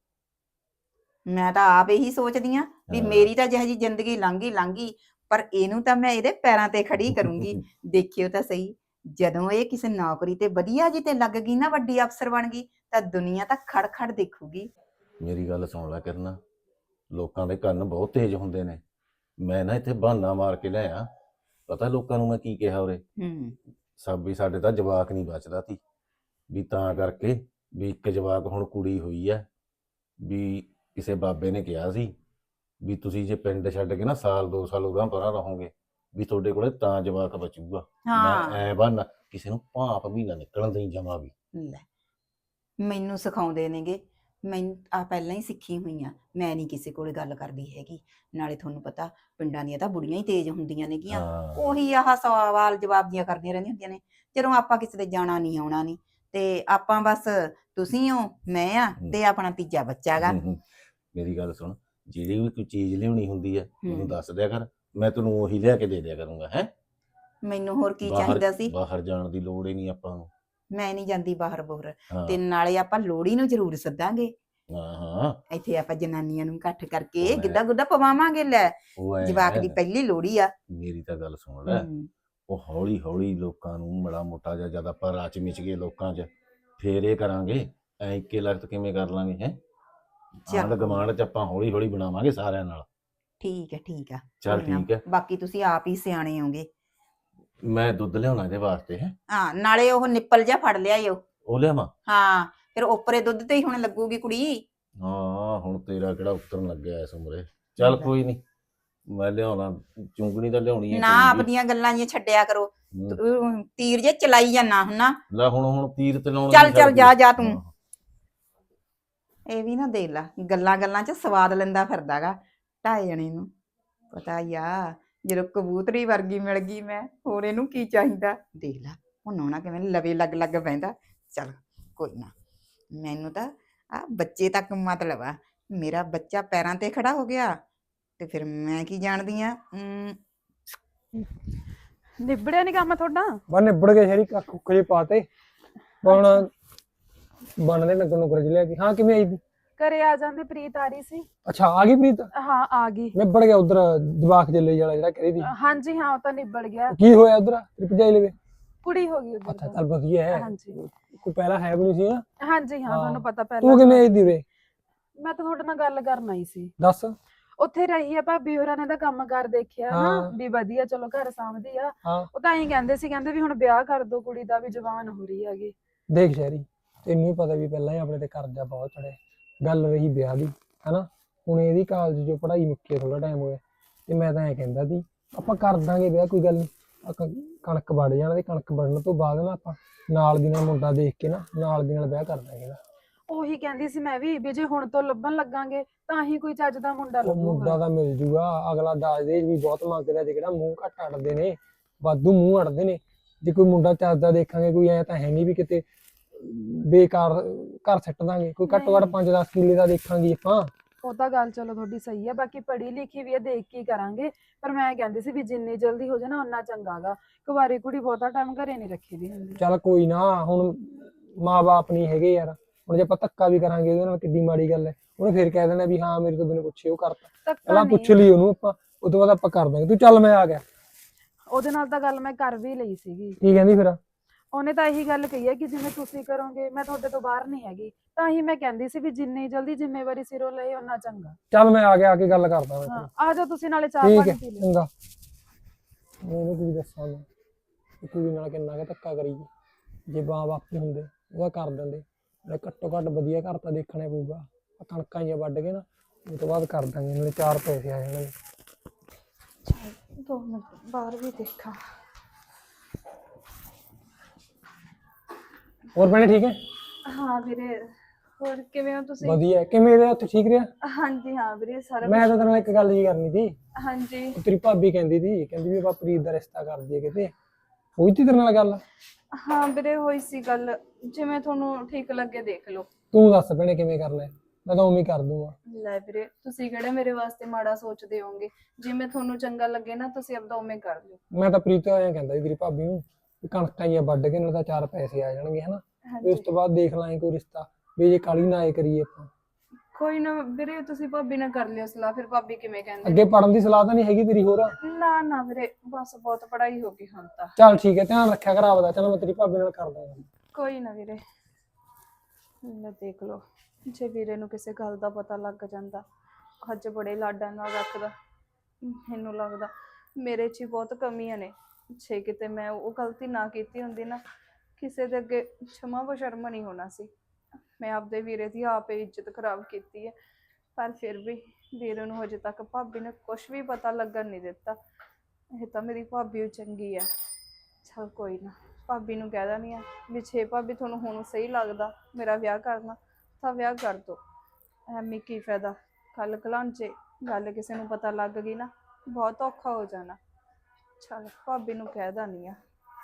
Speaker 3: ਮੈਂ ਤਾਂ ਆਪ ਇਹੀ ਸੋਚਦੀ ਆ ਵੀ
Speaker 4: ਹਾਂ।
Speaker 3: ਮੇਰੀ ਤਾਂ ਜਿਹੋ ਜਿਹੀ ਜ਼ਿੰਦਗੀ ਲੰਘੀ ਲੰਘੀ, ਪਰ ਇਹਨੂੰ ਤਾਂ ਮੈਂ ਇਹਦੇ ਪੈਰਾਂ ਤੇ ਖੜੀ ਕਰੂੰਗੀ। ਦੇਖਿਓ ਤਾਂ ਸਹੀ, ਜਦੋਂ ਇਹ ਕਿਸੇ ਨੌਕਰੀ ਤੇ ਵਧੀਆ ਜੀ ਤੇ ਲੱਗ ਗਈ ਨਾ, ਵੱਡੀ ਅਫਸਰ ਬਣ ਗਈ, ਤਾਂ ਦੁਨੀਆ ਤਾਂ ਖੜ ਖੜ ਦੇਖੂਗੀ।
Speaker 4: ਮੇਰੀ ਗੱਲ ਸੁਣ ਲੈ ਕਰਨਾ, ਲੋਕਾਂ ਦੇ ਕੰਨ ਬਹੁਤ ਤੇਜ਼ ਹੁੰਦੇ ਨੇ। ਮੈਂ ਨਾ ਇੱਥੇ ਬਹਾਨਾ ਮਾਰ ਕੇ ਲਿਆ, ਪਤਾ ਲੋਕਾਂ ਨੂੰ ਮੈਂ ਕੀ ਕਿਹਾ ਉਰੇ?
Speaker 3: ਹੂੰ।
Speaker 4: ਸਭ ਵੀ ਸਾਡੇ ਤਾਂ ਜਵਾਕ ਨਹੀਂ ਬਚਦਾ ਸੀ, ਵੀ ਤਾਂ ਕਰਕੇ ਵੀ ਇੱਕ ਜਵਾਕ ਹੁਣ ਕੁੜੀ ਹੋਈ ਐ, ਵੀ ਕਿਸੇ ਬਾਬੇ ਨੇ ਕਿਹਾ ਸੀ ਵੀ ਤੁਸੀਂ ਜੇ ਪਿੰਡ ਛੱਡ ਕੇ ਨਾ ਸਾਲ ਦੋ ਸਾਲ ਉਰਾਂ ਪਰਾਂ ਰਹੋਗੇ, ਵੀ ਤੁਹਾਡੇ ਕੋਲੇ ਤਾਂ ਜਵਾਕ ਬਚੂਗਾ।
Speaker 3: ਹਾਂ।
Speaker 4: ਮੈਂ ਐ ਬਹਾਨਾ, ਕਿਸੇ ਨੂੰ ਭਾਂਪ ਵੀ ਨਾ ਨਿਕਲਣ ਦੇਈ ਜਮਾ ਵੀ।
Speaker 3: ਲੈ, ਮੈਨੂੰ ਸਿਖਾਉਂਦੇ ਨੇਗੇ, ਮੈਂ ਆ ਪਹਿਲਾਂ ਹੀ ਸਿੱਖੀ ਹੋਈ ਆ, ਮੈਂ ਨਹੀਂ ਕਿਸੇ ਕੋਲੇ ਗੱਲ ਕਰਦੀ ਹੈਗੀ। ਨਾਲੇ ਤੁਹਾਨੂੰ ਪਤਾ ਪਿੰਡਾਂ ਦੀਆਂ ਤਾਂ ਬੁੜੀਆਂ ਹੀ ਤੇਜ਼ ਹੁੰਦੀਆਂ ਨੇਗੀਆਂ,
Speaker 4: ਹਾਂ
Speaker 3: ਉਹੀ ਆਹ ਸਵਾਲ ਜਵਾਬ ਦੀਆਂ ਕਰਦੀਆਂ ਰਹਿੰਦੀਆਂ ਹੁੰਦੀਆਂ ਨੇ। ਜਦੋਂ ਆਪਾਂ ਕਿਸੇ ਦੇ ਜਾਣਾ ਨਹੀਂ ਆਉਣਾ ਨਹੀਂ, ਤੇ ਆਪਾਂ ਬਸ ਤੁਸੀਂ ਹੋ, ਮੈਂ ਆ, ਤੇ ਆਪਣਾ ਤੀਜਾ ਬੱਚਾ ਗਾ।
Speaker 4: ਹੂੰ, ਹੂੰ। ਮੇਰੀ ਗੱਲ ਸੁਣ, ਜਿਹੜੀ ਵੀ ਕੋਈ ਚੀਜ਼ ਲਿਆਉਣੀ ਹੁੰਦੀ ਹੈ ਮੈਨੂੰ
Speaker 3: ਹੂੰ।
Speaker 4: ਦੱਸ ਦਿਆ ਕਰ, ਮੈਂ ਤੈਨੂੰ ਉਹੀ ਲਿਆ ਕੇ ਦੇ ਦਿਆ ਕਰੂੰਗਾ। ਹੈ
Speaker 3: ਮੈਨੂੰ ਹੋਰ ਕੀ
Speaker 4: ਬਾਹਰ
Speaker 3: ਚਾਹੀਦਾ ਸੀ?
Speaker 4: ਬਾਹਰ ਜਾਣ ਦੀ ਲੋੜ ਹੀ ਨਹੀਂ ਆਪਾਂ ਨੂੰ।
Speaker 3: ਮੈਂ ਨਹੀਂ ਜਾਂਦੀ ਬਾਹਰ ਬੋਹਰ।
Speaker 4: ਹਾਂ
Speaker 3: ਤੇ ਨਾਲੇ ਆਪਾਂ ਲੋਹੜੀ ਨੂੰ ਜ਼ਰੂਰ ਸੱਦਾਂਗੇ,
Speaker 4: ਹਾਂ ਹਾਂ,
Speaker 3: ਇੱਥੇ ਆਪਾਂ ਜਨਾਨੀਆਂ ਨੂੰ ਇਕੱਠ ਕਰਕੇ
Speaker 4: ਉਹ ਹੈ।
Speaker 3: ਗਿੱਧਾ ਗੁੱਧਾ ਪਵਾਵਾਂਗੇ। ਲੈ,
Speaker 4: ਉਹ ਐ
Speaker 3: ਜਵਾਕ ਦੀ ਪਹਿਲੀ ਲੋਹੜੀ ਆ।
Speaker 4: ਮੇਰੀ ਤਾਂ ਗੱਲ ਸੁਣ ਲੈ,
Speaker 3: ਹੂੰ।
Speaker 4: ਉਹ ਹੌਲੀ ਹੌਲੀ ਲੋਕਾਂ ਨੂੰ ਬੜਾ ਮੋਟਾ ਜਿਹਾ, ਜਦ ਆਪਾਂ ਰਾਚ ਮਿਚ ਗਏ ਲੋਕਾਂ 'ਚ, ਫੇਰ ਇਹ ਕਰਾਂਗੇ। ਐ ਇੱਕੇ ਲਖਤ ਕਿਵੇਂ ਕਰ ਲਾਂਗੇ? ਹੈ
Speaker 3: ਚੱਲ
Speaker 4: ਆਂਢ ਗੁਆਂਢ 'ਚ ਆਪਾਂ ਹੌਲੀ ਹੌਲੀ ਬਣਾਵਾਂਗੇ ਸਾਰਿਆਂ ਨਾਲ।
Speaker 3: ਠੀਕ ਹੈ, ਠੀਕ ਆ।
Speaker 4: ਚੱਲ
Speaker 3: ਕੋਈ ਨਾ,
Speaker 4: ਠੀਕ ਹੈ,
Speaker 3: ਬਾਕੀ ਤੁਸੀਂ ਆਪ ਹੀ ਸਿਆਣੇ ਹੋਗੇ।
Speaker 4: ਮੈਂ ਦੁੱਧ ਲਿਆਉਣਾ ਇਹਦੇ ਵਾਸਤੇ। ਹੈ
Speaker 3: ਹਾਂ, ਨਾਲੇ ਉਹ ਨਿੱਪਲ ਜਿਹਾ ਫੜ ਲਿਆਇਓ।
Speaker 4: ਉਹ ਲਿਆਵਾਂ?
Speaker 3: ਹਾਂ, ਫਿਰ ਉੱਪਰੇ ਦੁੱਧ ਤੇ ਹੀ ਹੁਣ ਲੱਗੂਗੀ ਕੁੜੀ।
Speaker 4: ਹਾਂ, ਹੁਣ ਤੇਰਾ ਕਿਹੜਾ ਉਤਰਨ ਲੱਗਿਆ ਇਸ ਉਮਰੇ। ਚੱਲ ਕੋਈ ਨਹੀਂ, ਮੈਂ ਲਿਆਉਣਾ, ਚੁੰਗਣੀ ਤਾਂ ਲਿਆਉਣੀ ਹੈ
Speaker 3: ਨਾ
Speaker 4: ਕੋਈ ਵੀ।
Speaker 3: ਆਪਣੀਆਂ ਗੱਲਾਂ ਜਿਹੀਆਂ ਛੱਡਿਆ ਕਰੋ,
Speaker 4: ਹੂੰ।
Speaker 3: ਤੂੰ ਤੀਰ ਜੇ ਚਲਾਈ ਜਾਣਾ ਹੁੰਨਾ।
Speaker 4: ਲੈ ਹੁਣ ਹੁਣ ਤੀਰ ਤੇ ਲਾਉਣ
Speaker 3: ਚੱਲ ਚੱਲ ਜਾ ਜਾ ਤੂੰ।
Speaker 4: ਹਾਂ।
Speaker 3: ਇਹ ਵੀ ਨਾ ਦੇਖ ਲਾ, ਗੱਲਾਂ ਗੱਲਾਂ 'ਚ ਸਵਾਦ ਲੈਂਦਾ ਫਿਰਦਾਗਾ ਢਾਈ ਜਣੇ ਨੂੰ। ਪਤਾ ਹੀ ਆ, ਜਦੋਂ ਕਬੂਤਰੀ ਵਰਗੀ ਮਿਲ ਗਈ ਮੈਂ, ਹੋਰ ਇਹਨੂੰ ਕੀ ਚਾਹੀਦਾ? ਦੇਖ ਲਾ ਹੁਣ ਨੌਣਾ ਕਿਵੇਂ ਲਵੇ ਲੱਗ ਲੱਗ ਬਹਿੰਦਾ। ਚੱਲ ਕੋਈ ਨਾ, ਮੈਨੂੰ ਤਾਂ ਆ ਬੱਚੇ ਤੱਕ ਮਤਲਬ ਆ। ਮੇਰਾ ਬੱਚਾ ਪੈਰਾਂ ਤੇ ਖੜਾ ਹੋ ਗਿਆ ਤੇ ਫਿਰ ਮੈਂ ਕੀ ਜਾਣਦੀ ਆ।
Speaker 5: ਨਿਬੜਿਆ ਨਹੀਂ ਕੰਮ ਤੁਹਾਡਾ?
Speaker 2: ਬਸ ਨਿਬੜ ਗਏ ਸ਼ਰੀ ਕੱਖ ਕੁੱਖ ਜੇ ਪਾਤੇ ਹੁਣ ਬਣਦੇ ਨਗਰ ਨੁਕਰ ਜਿ ਲਿਆ ਕੇ। ਹਾਂ ਕਿਵੇਂ ਆਈ ਤੂੰ?
Speaker 5: ਘਰੇ ਆ ਜਾਂਦੇ, ਪ੍ਰੀਤ ਆ ਰਹੀ ਸੀ।
Speaker 2: ਅੱਛਾ ਆ ਗਈ ਪ੍ਰੀਤ?
Speaker 5: ਹਾਂ ਆ ਗਈ।
Speaker 2: ਨਿਬੜ ਗਿਆ ਉਧਰ ਜਵਾਕ ਜੱਲੇ ਵਾਲਾ ਜਿਹੜਾ ਕਰੀ ਦੀ?
Speaker 5: ਹਾਂਜੀ ਹਾਂ ਉਹ ਤਾਂ ਨਿਬੜ ਗਿਆ।
Speaker 2: ਕੀ ਹੋਇਆ ਉਧਰ ਤੇਰੀ ਭਜਾਈ ਲਵੇ?
Speaker 5: ਕੁੜੀ ਹੋ ਗਈ
Speaker 2: ਅੱਛਾ
Speaker 5: ਉਧਰ।
Speaker 2: ਚੱਲ ਵਧੀਆ ਹੈ।
Speaker 5: ਹਾਂਜੀ
Speaker 2: ਕੋਈ ਪਹਿਲਾਂ ਹੈ ਵੀ ਨਹੀਂ ਸੀ ਨਾ।
Speaker 5: ਹਾਂਜੀ ਹਾਂ ਤੁਹਾਨੂੰ ਪਤਾ
Speaker 2: ਤੂੰ
Speaker 5: ਪਹਿਲਾਂ
Speaker 2: ਕਿਵੇਂ ਆਈ ਦੀ ਉਰੇ?
Speaker 5: ਮੈਂ ਤਾਂ ਤੁਹਾਡੇ ਨਾਲ ਗੱਲ ਕਰਨ ਆਈ ਸੀ।
Speaker 2: ਦੱਸ।
Speaker 5: ਉੱਥੇ ਰਹੀ ਆ ਭਾਬੀ ਹੋਰਾਂ ਨੇ ਤਾਂ ਕੰਮ ਕਰ ਦੇਖਿਆ ਨਾ
Speaker 2: ਹਾਂ।
Speaker 5: ਵੀ ਵਧੀਆ, ਚਲੋ ਘਰ ਸਾਂਭਦੀ ਆ।
Speaker 2: ਹਾਂ
Speaker 5: ਉਹ ਤਾਂ ਐਂ ਕਹਿੰਦੇ ਸੀ, ਕਹਿੰਦੇ ਵੀ ਹੁਣ ਵਿਆਹ ਕਰ ਦੋ ਕੁੜੀ ਦਾ, ਵੀ ਜਵਾਨ ਹੋ ਰਹੀ ਹੈਗੀ।
Speaker 2: ਦੇਖ ਸ਼ਹਿਰੀ, ਤੈਨੂੰ ਵੀ ਪਤਾ ਵੀ ਪਹਿਲਾਂ ਹੀ ਆਪਣੇ ਤੇ ਕਰਜ਼ਾ ਬਹੁਤ ਚੜਿਆ। ਗੱਲ ਰਹੀ ਵਿਆਹ ਦੀ, ਹਨਾ, ਹੁਣ ਇਹਦੀ ਕਾਲਜ ਚੋਂ ਪੜ੍ਹਾਈ ਮੁੱਕੀ ਥੋੜਾ ਟਾਈਮ ਹੋਇਆ ਤੇ ਮੈਂ ਤਾਂ ਐਂ ਕਹਿੰਦਾ ਸੀ ਆਪਾਂ ਕਰ ਦਾਂਗੇ ਵਿਆਹ, ਕੋਈ ਗੱਲ ਨਹੀਂ। ਕਣਕ ਵੜ ਜਾਣਾ ਤੇ ਕਣਕ ਵੜਨ ਤੋਂ ਬਾਅਦ ਨਾ ਆਪਾਂ ਨਾਲ ਦੀ ਨਾਲ ਮੁੰਡਾ ਦੇਖ ਕੇ ਨਾ ਨਾਲ ਦੀ ਨਾਲ ਵਿਆਹ ਕਰ ਦਾਂਗੇ ਨਾ।
Speaker 5: ਉਹੀ ਕਹਿੰਦੀ ਸੀ ਮੈਂ ਵੀ, ਵੀ ਜੇ ਹੁਣ ਤੋਂ ਲੱਭਣ ਲੱਗਾਂਗੇ ਤਾਂ ਹੀ ਕੋਈ ਚੱਜ ਦਾ ਮੁੰਡਾ
Speaker 2: ਉਹ ਮੁੰਡਾ
Speaker 5: ਲੱਭੂਗਾ।
Speaker 2: ਤਾਂ ਮਿਲ ਜੂਗਾ, ਅਗਲਾ ਦਾਜ ਦੇਜ ਵੀ ਬਹੁਤ ਮੰਗਦਾ ਜੇ ਕਿਹੜਾ ਮੂੰਹ ਘੱਟ ਅੜਦੇ ਨੇ, ਵਾਧੂ ਮੂੰਹ ਅੜਦੇ ਨੇ। ਜੇ ਕੋਈ ਮੁੰਡਾ ਚੱਜਦਾ ਦੇਖਾਂਗੇ, ਕੋਈ ਐ ਤਾਂ ਹੈ ਨਹੀਂ ਵੀ ਕਿਤੇ ਬੇਕਾਰ ਘਰ ਸੱਟ ਦਾਂਗੇ। ਕੋਈ ਘੱਟੋ ਘੱਟ ਪੰਜ ਦਸ ਕਿੱਲੇ ਦਾ ਦੇਖਾਂਗੇ ਆਪਾਂ।
Speaker 5: ਉਹ ਤਾਂ ਗੱਲ ਚਲੋ ਤੁਹਾਡੀ ਸਹੀ ਹੈ, ਬਾਕੀ ਪੜ੍ਹੀ ਲਿਖੀ ਵੀ ਹੈ, ਦੇਖ ਕੇ ਹੀ ਕਰਾਂਗੇ। ਪਰ ਮੈਂ ਕਹਿੰਦੀ ਸੀ ਵੀ ਜਿੰਨੀ ਜਲਦੀ ਹੋ ਜਾਏ ਨਾ ਓਨਾ ਚੰਗਾਗਾ। ਕੁਵਾਰੀ ਕੁੜੀ ਬਹੁਤਾ ਟਾਈਮ ਘਰੇ ਨਹੀਂ ਰੱਖੀ ਦੀ ਹੁੰਦੀ।
Speaker 2: ਚੱਲ ਕੋਈ ਨਾ, ਹੁਣ ਮਾਂ ਬਾਪ ਨਹੀਂ ਹੈਗੇ ਯਾਰ, ਹੁਣ ਜੇ ਆਪਾਂ ਧੱਕਾ ਵੀ ਕਰਾਂਗੇ ਉਹਦੇ ਨਾਲ ਕਿੱਡੀ ਮਾੜੀ ਗੱਲ ਹੈ। ਉਹਨੇ ਫਿਰ ਕਹਿ ਦੇਣਾ ਵੀ ਹਾਂ ਮੇਰੇ ਤੋਂ ਬਿਨਾਂ ਪੁੱਛੇ ਉਹ ਕਰਤਾ।
Speaker 5: ਧੱਕਾ
Speaker 2: ਪਹਿਲਾਂ
Speaker 5: ਨਹੀਂ,
Speaker 2: ਪੁੱਛ ਲਈ ਉਹਨੂੰ ਆਪਾਂ, ਉਹ ਤੋਂ ਬਾਅਦ ਆਪਾਂ ਕਰ ਦਾਂਗੇ। ਤੂੰ ਚੱਲ ਮੈਂ ਆ ਗਿਆ।
Speaker 5: ਉਹਦੇ ਨਾਲ ਤਾਂ ਗੱਲ ਮੈਂ ਕਰ ਵੀ ਲਈ ਸੀਗੀ।
Speaker 2: ਕੀ ਕਹਿੰਦੀ ਫਿਰ?
Speaker 5: ਉਹਨੇ ਤਾਂ ਇਹੀ ਗੱਲ ਕਹੀ ਹੈ ਕਿ ਜਿਵੇਂ ਤੁਸੀਂ ਕਰੋਗੇ ਮੈਂ ਤੁਹਾਡੇ ਤੋਂ ਬਾਹਰ ਨਹੀਂ ਹੈਗੀ। ਤਾਂ ਹੀ ਮੈਂ ਕਹਿੰਦੀ ਸੀ ਵੀ ਜਿੰਨੀ ਜਲਦੀ ਜ਼ਿੰਮੇਵਾਰੀ ਸਿਰੋਂ ਲਏ ਓਨਾ ਚੰਗਾ।
Speaker 2: ਚੱਲ ਮੈਂ ਆ ਗਿਆ, ਆ ਕੇ ਗੱਲ ਕਰਦਾ ਮੈਂ
Speaker 5: ਹਾਂ
Speaker 2: ਤੇਰੀ।
Speaker 5: ਆ ਜਾਓ ਤੁਸੀਂ, ਨਾਲੇ ਚਾਹ
Speaker 2: ਠੀਕ
Speaker 5: ਪਾਣੀ
Speaker 2: ਹੈ
Speaker 5: ਪੀ ਲਿਓ।
Speaker 2: ਚੰਗਾ। ਮੈਨੂੰ ਕੀ ਦੱਸਾਂ ਮੈਂ, ਕਿ ਕੁੜੀ ਨਾਲ ਕਿੰਨਾ ਕੁ ਧੱਕਾ ਕਰੀਏ। ਜੇ ਮਾਂ ਬਾਪ ਹੀ ਹੁੰਦੇ ਉਹਦਾ ਕਰ ਦਿੰਦੇ। ਨਾਲੇ ਘੱਟੋ ਘੱਟ ਵਧੀਆ ਘਰ ਤਾਂ ਦੇਖਣਾ ਪਊਗਾ। ਆਹ ਕਣਕਾਂ ਜਿਹੀਆਂ ਵੱਢ ਕੇ ਨਾ ਉਹ ਤੋਂ ਬਾਅਦ ਕਰ ਦਾਂਗੇ, ਨਾਲੇ ਚਾਰ ਪੈਸੇ ਆ ਜਾਣਗੇ।
Speaker 5: ਦੋ ਮਿੰਟ ਬਾਹਰ ਵੀ ਦੇਖਾਂ।
Speaker 2: ਹੋਰ ਭੈਣੇ ਠੀਕ ਹੈ?
Speaker 5: ਹਾਂ ਵੀਰੇ, ਹੋਰ ਕਿਵੇਂ ਹੋ ਤੁਸੀਂ?
Speaker 2: ਵਧੀਆ। ਕਿਵੇਂ ਰਿਹਾ ਉੱਥੇ, ਠੀਕ ਰਿਹਾ?
Speaker 5: ਹਾਂਜੀ ਹਾਂ ਵੀਰੇ ਸਾਰਾ
Speaker 2: ਮੈਂ ਤਾਂ ਤੇਰੇ ਨਾਲ ਇੱਕ ਗੱਲ ਜੀ ਕਰਨੀ ਸੀ।
Speaker 5: ਹਾਂਜੀ
Speaker 2: ਉਹ ਤੇਰੀ ਭਾਬੀ ਕਹਿੰਦੀ ਸੀ, ਕਹਿੰਦੀ ਵੀ ਆਪਾਂ ਪ੍ਰੀਤ ਦਾ ਰਿਸ਼ਤਾ ਕਰ ਦਈਏ ਕਿਤੇ। ਹੋਈ ਤੀ ਤੇਰੇ ਨਾਲ ਗੱਲ?
Speaker 5: ਹਾਂ ਵੀਰੇ ਹੋਈ ਸੀ ਗੱਲ, ਜਿਵੇਂ ਤੁਹਾਨੂੰ ਠੀਕ ਲੱਗੇ ਦੇਖ ਲਓ।
Speaker 2: ਤੂੰ ਦੱਸ ਭੈਣੇ ਕਿਵੇਂ ਕਰਨਾ ਹੈ? ਮੈਂ ਤਾਂ ਉਵੇਂ ਹੀ ਕਰ ਦੂੰਗਾ।
Speaker 5: ਲੈ ਵੀਰੇ ਤੁਸੀਂ ਕਿਹੜੇ ਮੇਰੇ ਵਾਸਤੇ ਮਾੜਾ ਸੋਚਦੇ ਹੋਗੇ, ਜਿਵੇਂ ਤੁਹਾਨੂੰ ਚੰਗਾ ਲੱਗੇ ਨਾ ਤੁਸੀਂ ਆਪਦਾ ਉਵੇਂ ਕਰ ਲਿਓ।
Speaker 2: ਮੈਂ ਤਾਂ ਪ੍ਰੀਤ ਐਂ ਕਹਿੰਦਾ ਸੀ ਤੇਰੀ ਭਾਬੀ ਨੂੰ ਵੀ ਕਣਕਾਂ ਜਿਹੀਆਂ ਵੱਢ ਕੇ ਨਾਲ ਤਾਂ ਚਾਰ ਪੈਸੇ ਆ ਜਾਣਗੇ, ਹਨਾ। ਤੇ ਉਸ
Speaker 5: ਹਾਂਜੀ
Speaker 2: ਤੋਂ ਬਾਅਦ ਦੇਖ ਲਾਂਗੇ ਕੋਈ ਰਿਸ਼ਤਾ, ਵੀ ਜੇ ਕਾਲੀ ਨਾ ਆਏ ਕਰੀਏ ਆਪਾਂ।
Speaker 5: ਕੋਈ ਨਾ ਵੀਰੇ, ਤੁਸੀਂ ਭਾਬੀ ਨਾਲ ਕਰ ਲਿਓ ਸਲਾਹ, ਫਿਰ ਭਾਬੀ ਕਿਵੇਂ ਕਹਿੰਦੇ।
Speaker 2: ਅੱਗੇ ਪੜਨ ਦੀ ਸਲਾਹ ਤਾਂ ਨਹੀਂ ਹੈਗੀ ਤੇਰੀ ਹੋਰ?
Speaker 5: ਨਾ ਨਾ ਵੀਰੇ ਬਸ ਬਹੁਤ ਪੜ੍ਹਾਈ ਹੋ ਗਈ ਹੁਣ ਤਾਂ।
Speaker 2: ਚੱਲ ਠੀਕ ਹੈ, ਧਿਆਨ ਰੱਖਿਆ ਕਰ ਆਪਦਾ। ਚੱਲ ਮੈਂ ਤੇਰੀ ਭਾਬੀ ਨਾਲ ਕਰਦਾ ਗੱਲ।
Speaker 5: ਕੋਈ ਨਾ ਵੀਰੇ, ਲੈ ਦੇਖ ਲਓ, ਜੇ ਵੀਰੇ ਨੂੰ ਕਿਸੇ ਗੱਲ ਦਾ ਪਤਾ ਲੱਗ ਜਾਂਦਾ, ਅੱਜ ਬੜੇ ਲਾਡਾਂ ਨਾਲ ਰੱਖਦਾ। ਮੈਨੂੰ ਲੱਗਦਾ ਮੇਰੇ 'ਚ ਹੀ ਬਹੁਤ ਕਮੀਆਂ ਨੇ। ਜੇ ਕਿਤੇ ਮੈਂ ਉਹ ਗਲਤੀ ਨਾ ਕੀਤੀ ਹੁੰਦੀ ਨਾ, ਕਿਸੇ ਦੇ ਅੱਗੇ ਛਮਾ ਬਸ਼ਰਮ ਨਹੀਂ ਹੋਣਾ ਸੀ। ਮੈਂ ਆਪਦੇ ਵੀਰੇ ਦੀ ਆਪੇ ਇੱਜ਼ਤ ਖਰਾਬ ਕੀਤੀ ਹੈ, ਪਰ ਫਿਰ ਵੀ ਵੀਰੇ ਨੂੰ ਹਜੇ ਤੱਕ ਭਾਬੀ ਨੇ ਕੁਝ ਵੀ ਪਤਾ ਲੱਗਣ ਨਹੀਂ ਦਿੱਤਾ। ਇਹ ਤਾਂ ਮੇਰੀ ਭਾਬੀ ਚੰਗੀ ਹੈ। ਚਲ ਕੋਈ ਨਾ, ਭਾਬੀ ਨੂੰ ਕਹਿ ਦਿੰਦੀ ਆ ਵੀ ਛੇ ਭਾਬੀ ਤੁਹਾਨੂੰ ਹੁਣ ਸਹੀ ਲੱਗਦਾ ਮੇਰਾ ਵਿਆਹ ਕਰਨਾ ਤਾਂ ਵਿਆਹ ਕਰ ਦੋ। ਐਵੇਂ ਕੀ ਫਾਇਦਾ, ਕੱਲ ਕਲਾਂਚੇ ਗੱਲ ਕਿਸੇ ਨੂੰ ਪਤਾ ਲੱਗ ਗਈ ਨਾ ਬਹੁਤ ਔਖਾ ਹੋ ਜਾਣਾ। ਚਲ ਭਾਬੀ ਨੂੰ ਕਹਿ ਦਿੰਦੀ ਆ।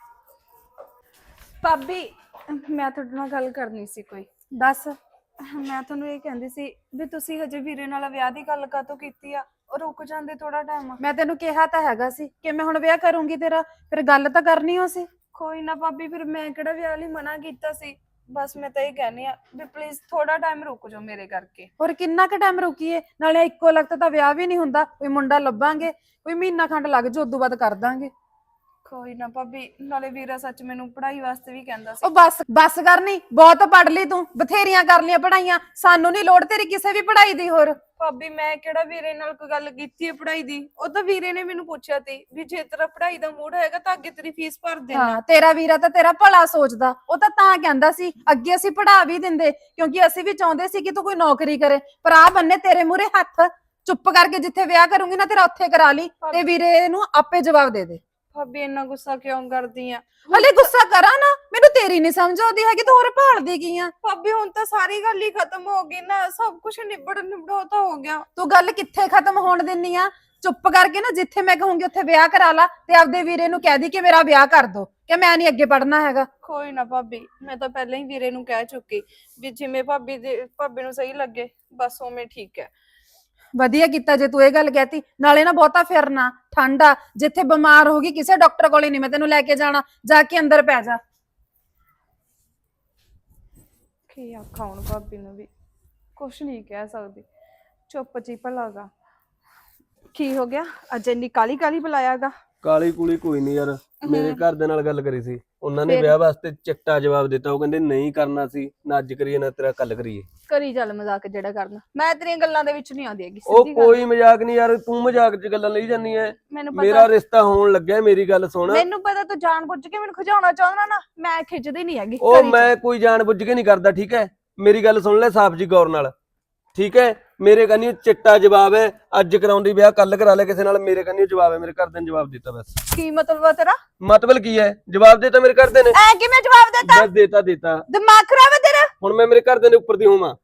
Speaker 5: ਭਾਬੀ ਮੈਂ ਤੁਹਾਡੇ ਨਾਲ ਗੱਲ ਕਰਨੀ ਸੀ ਕੋਈ।
Speaker 1: ਦੱਸ।
Speaker 5: ਮੈਂ ਤੁਹਾਨੂੰ ਇਹ ਕਹਿੰਦੀ ਸੀ ਵੀ ਤੁਸੀਂ ਹਜੇ ਵੀਰੇ ਨਾਲ ਵਿਆਹ ਦੀ ਗੱਲ ਕਾਹਤੋਂ ਕੀਤੀ ਆ, ਉਹ ਰੁਕ ਜਾਂਦੇ ਥੋੜਾ ਟਾਈਮ।
Speaker 1: ਮੈਂ ਤੈਨੂੰ ਕਿਹਾ ਤਾਂ ਹੈਗਾ ਸੀ ਕਿ ਮੈਂ ਹੁਣ ਵਿਆਹ ਕਰੂੰਗੀ ਤੇਰਾ, ਫਿਰ ਗੱਲ ਤਾਂ ਕਰਨੀ ਹੋ ਸੀ।
Speaker 5: ਕੋਈ ਨਾ ਭਾਬੀ, ਫਿਰ ਮੈਂ ਕਿਹੜਾ ਵਿਆਹ ਲਈ ਮਨਾ ਕੀਤਾ ਸੀ। ਬਸ ਮੈਂ ਤਾਂ ਇਹ ਕਹਿੰਦੀ ਆ ਵੀ ਪਲੀਜ਼ ਥੋੜਾ ਟਾਈਮ ਰੁਕ ਜਾਓ ਮੇਰੇ ਕਰਕੇ।
Speaker 1: ਹੋਰ ਕਿੰਨਾ ਕੁ ਟਾਈਮ ਰੁਕੀਏ, ਨਾਲੇ ਇੱਕੋ ਲਗਤ ਤਾਂ ਵਿਆਹ ਵੀ ਨਹੀਂ ਹੁੰਦਾ, ਕੋਈ ਮੁੰਡਾ ਲੱਭਾਂਗੇ, ਕੋਈ ਮਹੀਨਾ ਖੰਡ ਲੱਗ ਜਾਊ, ਉਦੋਂ ਬਾਅਦ ਕਰ ਦਾਂਗੇ।
Speaker 5: ਕੋਈ ਨਾ ਭਾਬੀ, ਨਾਲੇ ਵੀਰਾ ਸੱਚ ਮੈਨੂੰ ਪੜ੍ਹਾਈ ਵਾਸਤੇ ਵੀ ਕਹਿੰਦਾ ਸੀ।
Speaker 1: ਉਹ ਬਸ ਬਸ ਕਰਨੀ, ਬਹੁਤ ਪੜ ਲਈ ਤੂੰ, ਬਥੇਰੀਆਂ ਕਰ ਲਈਆਂ ਪੜਾਈਆਂ, ਸਾਨੂੰ ਨਹੀਂ ਲੋੜ ਤੇਰੀ ਕਿਸੇ ਵੀ ਪੜਾਈ ਦੀ। ਹੋਰ
Speaker 5: ਭਾਬੀ ਮੈਂ ਕਿਹੜਾ ਵੀਰੇ ਨਾਲ ਕੋਈ ਗੱਲ ਕੀਤੀ ਹੈ ਪੜ੍ਹਾਈ ਦੀ, ਉਹ ਤਾਂ ਵੀਰੇ ਨੇ ਮੈਨੂੰ ਪੁੱਛਿਆ ਸੀ ਵੀ ਜੇ ਤੇਰਾ ਪੜ੍ਹਾਈ ਦਾ ਮੂਡ ਹੈਗਾ ਤਾਂ ਅੱਗੇ ਤੇਰੀ ਫੀਸ ਭਰ ਦੇਣਾ।
Speaker 1: ਹਾਂ, ਤੇਰਾ ਵੀਰਾ ਤਾਂ ਤੇਰਾ ਭਲਾ ਸੋਚਦਾ, ਉਹ ਤਾਂ ਤਾਂ ਕਹਿੰਦਾ ਸੀ ਅੱਗੇ ਅਸੀਂ ਪੜਾ ਵੀ ਦਿੰਦੇ, ਕਿਉਂਕਿ ਅਸੀਂ ਵੀ ਚਾਹੁੰਦੇ ਸੀ ਕਿ ਤੂੰ ਕੋਈ ਨੌਕਰੀ ਕਰੇ, ਪਰ ਆ ਬੰਨੇ ਤੇਰੇ ਮੂਹਰੇ ਹੱਥ, ਚੁੱਪ ਕਰਕੇ ਜਿੱਥੇ ਵਿਆਹ ਕਰੂੰਗੀ ਨਾ ਤੇਰਾ ਉੱਥੇ ਕਰਾ ਲਈ, ਤੇ ਵੀਰੇ ਨੂੰ ਆਪੇ ਜਵਾਬ ਦੇ ਦੇ।
Speaker 5: ਭਾਬੀ ਇੰਨਾ ਗੁੱਸਾ ਕਿਉਂ ਕਰਦੀ ਆ?
Speaker 1: ਹਲੇ ਗੁੱਸਾ ਕਰਾਂ ਨਾ, ਮੈਨੂੰ ਤੇਰੀ ਨਹੀਂ ਸਮਝ ਆਉਂਦੀ ਹੈਗੀ, ਤੂੰ ਹੋਰ ਭਾਲਦੀ ਕੀ ਆ?
Speaker 5: ਭਾਬੀ ਹੁਣ ਤਾਂ ਸਾਰੀ ਗੱਲ ਹੀ ਖਤਮ ਹੋ ਗਈ ਨਾ, ਸਭ ਕੁਝ ਨਿਬੜ ਨਿਬੜੋ ਤਾਂ ਹੋ ਗਿਆ।
Speaker 1: ਤੂੰ ਗੱਲ ਕਿੱਥੇ ਖਤਮ ਹੋਣ ਦਿੰਨੀ ਆ? ਚੁੱਪ ਕਰਕੇ ਨਾ ਜਿੱਥੇ ਮੈਂ ਕਹੂੰਗੀ ਉੱਥੇ ਵਿਆਹ ਕਰਾ ਲਾ, ਤੇ ਆਪਦੇ ਵੀਰੇ ਨੂੰ ਕਹਿ ਦੀ ਕਿ ਮੇਰਾ ਵਿਆਹ ਕਰ ਦੋ, ਕਿ ਮੈਂ ਨਹੀਂ ਅੱਗੇ ਪੜਨਾ ਹੈਗਾ।
Speaker 5: ਕੋਈ ਨਾ ਭਾਬੀ, ਮੈਂ ਤਾਂ ਪਹਿਲਾਂ ਹੀ ਵੀਰੇ ਨੂੰ ਕਹਿ ਚੁੱਕੀ ਵੀ ਜਿਵੇਂ ਭਾਬੀ ਦੇ ਭਾਬੀ ਨੂੰ ਸਹੀ ਲੱਗੇ ਬਸ ਉਵੇਂ ਠੀਕ ਹੈ। ਵਧੀਆ ਕੀਤਾ ਜੇ ਤੂੰ ਇਹ ਗੱਲ ਕਹਿਤੀ। ਨਾਲੇ ਨਾ ਬਹੁਤਾ ਫਿਰਨਾ, ਠੰਡ ਆ, ਜਿੱਥੇ ਬਿਮਾਰ ਹੋ ਗਈ ਕਿਸੇ ਡਾਕਟਰ ਕੋਲੇ ਨਹੀਂ ਮੈਂ ਤੈਨੂੰ ਲੈ ਕੇ ਜਾਣਾ, ਜਾ ਕੇ ਅੰਦਰ ਪੈ ਜਾ।
Speaker 1: ਕੀ ਆਖਾਂ ਹੁਣ ਭਾਬੀ ਨੂੰ ਵੀ ਕੁਛ ਨਹੀਂ ਕਹਿ ਸਕਦੀ, ਚੁੱਪ ਚੀ ਭਲਾਗਾ। ਕੀ ਹੋ ਗਿਆ ਅੱਜ ਇੰਨੀ ਕਾਲੀ ਕਾਲੀ ਬੁਲਾਇਆਗਾ?
Speaker 6: ਕਾਲੀ ਕੁਲੀ ਕੋਈ ਨਹੀਂ ਯਾਰ, ਮੇਰੇ ਘਰ ਦੇ ਨਾਲ ਗੱਲ ਕਰੀ ਸੀ ਉਹਨਾਂ ਨੇ,
Speaker 1: ਫਿਰ?
Speaker 6: ਵਿਆਹ ਵਾਸਤੇ ਚਿੱਟਾ ਜਵਾਬ ਦਿੱਤਾ। ਉਹ ਕਹਿੰਦੇ ਨਹੀਂ ਕਰਨਾ ਸੀ, ਨਾ ਅੱਜ ਕਰੀਏ ਨਾ ਤੇਰਾ ਕੱਲ ਕਰੀਏ।
Speaker 1: ਕਰੀ ਚੱਲ ਮਜ਼ਾਕ ਜਿਹੜਾ ਕਰਨਾ, ਮੈਂ ਤੇਰੀਆਂ ਗੱਲਾਂ ਦੇ ਵਿੱਚ ਨਹੀਂ ਆਉਂਦੀ ਹੈਗੀ
Speaker 6: ਉਹ
Speaker 1: ਸਿੱਧੀ ਗੱਲ।
Speaker 6: ਕੋਈ ਮਜ਼ਾਕ ਨਹੀਂ ਯਾਰ, ਤੂੰ ਮਜ਼ਾਕ 'ਚ ਗੱਲਾਂ ਲਈ ਜਾਂਦੀ ਐ।
Speaker 1: ਮੈਨੂੰ
Speaker 6: ਮੇਰਾ
Speaker 1: ਪਤਾ,
Speaker 6: ਰਿਸ਼ਤਾ ਹੋਣ ਲੱਗਿਆ, ਮੇਰੀ ਗੱਲ ਸੁਣ।
Speaker 1: ਮੈਨੂੰ ਪਤਾ ਤੂੰ ਜਾਣ ਬੁੱਝ ਕੇ ਮੈਨੂੰ ਖਿਜਾਉਣਾ ਚਾਹੁੰਦਾ ਨਾ, ਮੈਂ ਖਿੱਚਦੀ ਨਹੀਂ ਹੈਗੀ।
Speaker 6: ਉਹ
Speaker 1: ਕਰੀ ਚੱਲ।
Speaker 6: ਮੈਂ ਕੋਈ ਜਾਣ ਬੁੱਝ ਕੇ ਨਹੀਂ ਕਰਦਾ, ਠੀਕ ਹੈ? ਮੇਰੀ ਗੱਲ ਸੁਣ ਲੈ ਸਾਫ਼ ਜੀ ਗੌਰ ਨਾਲ, ਠੀਕ ਹੈ? ਮੇਰੇ ਕੰਨੀ ਚਿੱਟਾ ਜਵਾਬ ਹੈ, ਅੱਜ ਕਰਾਉਂਦੀ ਵਿਆਹ ਕੱਲ ਕਰਾ ਲੈ ਕਿਸੇ ਨਾਲ, ਮੇਰੇ ਕੰਨੀ ਜਵਾਬ ਹੈ, ਮੇਰੇ ਘਰਦਿਆਂ ਨੇ ਜਵਾਬ ਦਿੱਤਾ ਬਸ।
Speaker 1: ਕੀ ਮਤਲਬ ਆ ਤੇਰਾ?
Speaker 6: ਮਤਲਬ ਕੀ ਹੈ? ਜਵਾਬ ਦਿੱਤਾ ਮੇਰੇ ਘਰਦਿਆਂ ਨੇ।
Speaker 1: ਐ ਕਿਵੇਂ ਜਵਾਬ ਦੇਤਾ?
Speaker 6: ਬਸ ਦੇਤਾ ਦੇਤਾ
Speaker 1: ਦਿਮਾਗ ਖਰਾਬ ਹੈ ਤੇਰਾ?
Speaker 6: ਹੁਣ ਮੈਂ ਮੇਰੇ ਘਰਦਿਆਂ ਦੇ ਉੱਪਰ ਦੀ ਹੋਵਾਂ?